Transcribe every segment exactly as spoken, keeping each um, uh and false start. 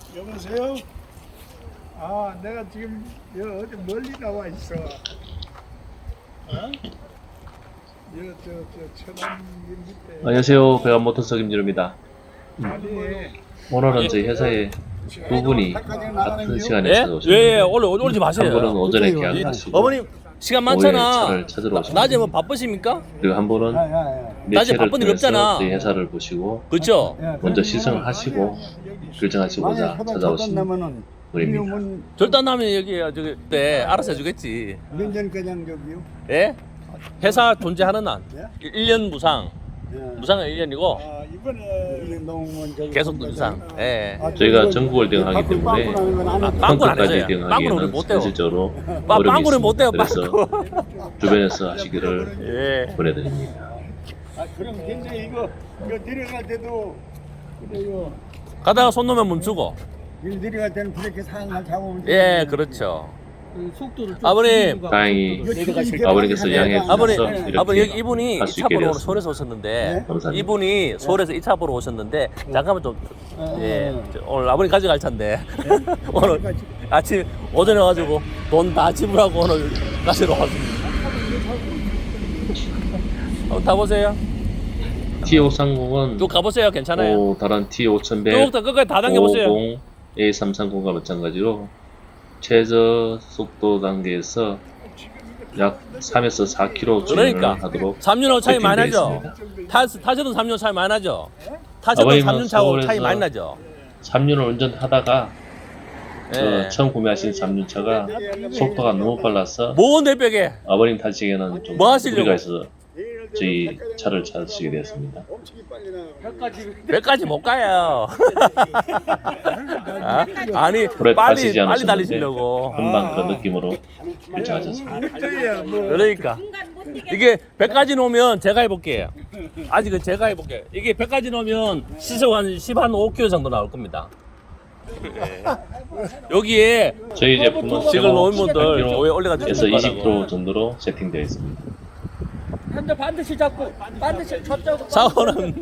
여보세요? 아, 내가 지금 여 어디 멀리 나와 있어. 어? 여저저 천안 밑에. 안녕하세요. 배관 모터스 김진우입니다. 아니, 오늘은 저희 회사에 두 분이 같은 시간에 예? 찾아오셨는데 예, 예, 올려, 올리지 마세요. 한 분은 오전에 계약하시고 어머님, 시간 오후에 많잖아. 차를 찾으러 오셨습니다. 낮에 뭐 바쁘십니까? 그리고 한 분은 야, 야, 야. 낮에 매체를 바쁜 일 통해서 없잖아. 저희 회사를 보시고 그렇죠? 먼저 시승을 하시고 결정하시고자 찾아오신 분입니다. 절단하면 여기, 저기, 네, 알아서 해주겠지. 면전 그냥 저기요. 예? 회사 존재하는 한. 예? 일 년 무상. 예. 무상은 일 년이고, 아, 이번에 농무원 저기 계속 무상. 예. 아, 저희가 그거 전국을 대응하기 바꾸- 때문에 바꾸라는 건 안 아, 했죠. 빵꾸는 안 평가까지 해줘요. 빵꾸는 우리 대응하기에는 못 돼요. 현실적으로 빠- 어려움이 빵꾸는 못 돼요, 있습니다. 그래서 빵꾸. 주변에서 하시기를 예. 보내드립니다. 아, 그럼 굉장히 이거 이거 내려갈 때도 그래요. 가다가 손 놓으면 멈추고. 일 내려갈 때는 브레이크 상을 잡으면 예, 되는데. 그렇죠. 속도를 좀 아버님. 줄이고 다행히 이거 지금 아버님께서 이렇게 양해해 하다가 아버님, 주셔서 이렇게 아버님 여기 이렇게 이분이 할 이 수 차 있게 보러 오늘 되었습니다. 서울에서 오셨는데 네? 감사합니다. 이분이 서울에서 이 차 보러 오셨는데 잠깐만 좀 어, 예, 어, 어. 저 오늘 아버님 가져갈 차인데 오늘 아침 오전에 와가지고 돈 다 지불하고 오늘 가시러 왔습니다. 한번 타보세요. 티 오백삼십은 쭉 가보세요. 괜찮아요. 오, 다른 티 오천백 쭉 다 끝까지 다 당겨보세요. 오십 에이 삼백삼십과 마찬가지로 최저 속도 단계에서 약 삼에서 사 킬로미터 주행을 그러니까 하도록 삼 년하고 차이 많이 나죠. 세팅되어 타, 타셔도 삼 년 차이 많이 나죠. 타셔도 아버님은 삼 년 차고 차이 서울에서 많이 나죠. 삼 년을 운전하다가 저 예. 처음 구매하신 삼 년 차가 속도가 너무 빨라서 뭔 대벽에 아버님 타시기에는 좀 뭐 하시려고? 무리가 있어서 저희 차를 찾으시게 되었습니다. 엄청 빨리 나가. 몇까지 못 가요. 아? 아니 오래 빨리 타시지 빨리 않으셨는데 달리시려고. 금방 그런 느낌으로 결정하셨습니다. 저야 뭐 그러니까 이게 백까지 놓으면 제가 해볼게요. 아직은 제가 해볼게요. 이게 백까지 놓으면 시속 한 십 한 오 킬로미터 정도 나올 겁니다. 예. 여기에 저희 제품은 지금 놓은 분들 조에 올려가지고 에서 이십 킬로미터 정도로 세팅되어 있습니다. 한대 반드시 잡고 반드시 저쪽 사고는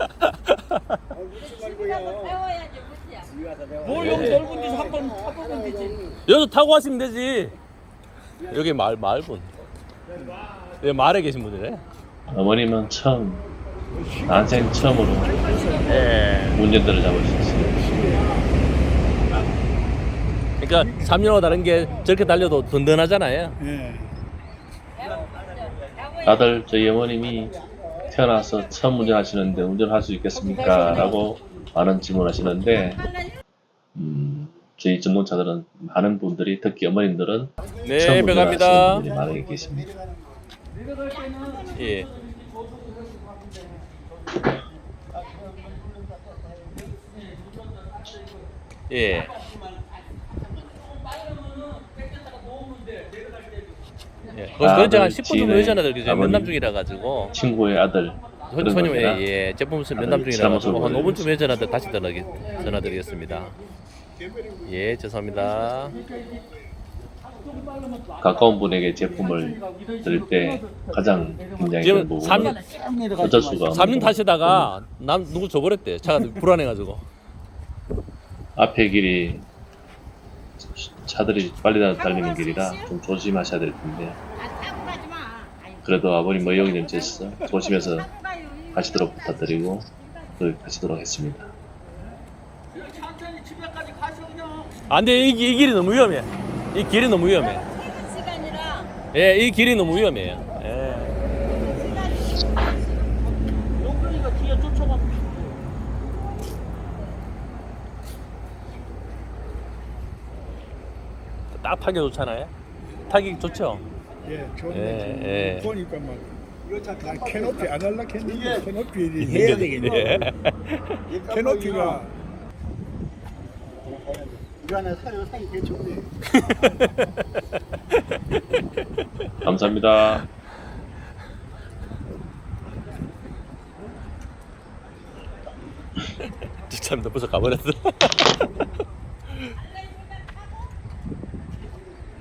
뭘 여기 넓은 데서 한번 타보면 되지. 여기서 타고 가시면 되지. 여기 말 말분. 여기 말에 계신 분이래. 어머님은 처음 난생 처음으로 예. 운전대를 잡으셨어요. 그러니까 삼 년하고 다른 게 저렇게 달려도 든든하잖아요. 예. 다들 저희 어머님이 태어나서 처음 운전하시는데 운전할 수 있겠습니까? 라고 많은 질문하시는데 음, 저희 전동차들은 많은 분들이 특히 어머님들은 네, 처음 배갑니다. 운전하시는 분들이 많이 계십니다. 예. 예. 예. 거기서 그런 한 십 분 정도 회전하들 그죠? 아버님, 면담 중이라 가지고 친구의 아들 그런 손님 겁니다. 예, 예. 제품 없으면 아들 면담 중이라 가지고 지나면서 한 오 분쯤 회전하들 다시 전화기, 전화드리겠습니다. 예, 죄송합니다. 가까운 분에게 제품을 드릴 때 가장 굉장히 지금 큰 삼 부분은 년 어쩔 수가 삼 년 없는 타시다가 남 누구 줘버렸대. 차가 불안해가지고. 앞에 길이 차들이 빨리 달리는 길이라 좀 조심하셔야 될 텐데 그래도 아버님 뭐 여기 좀 있어 조심해서 가시도록 부탁드리고 또 가시도록 했습니다. 천천히 집에까지 가서 그냥. 안 돼, 이, 이 길이 너무 위험해. 이 길이 너무 위험해. 예, 이 길이 너무 위험해요. 예. 용돈이가 뒤에 쫓아가. 딱 타기 좋잖아요. 타기 좋죠. 예, 좋네. 예, 예. 보니까 막 난 캐노피 안 할라 했는데 캐노피 예. 해야 되겠네. 캐노피가 이거 하나 사요. 사기 개 좋네. 감사합니다. 참, 너 벌써 가버렸어.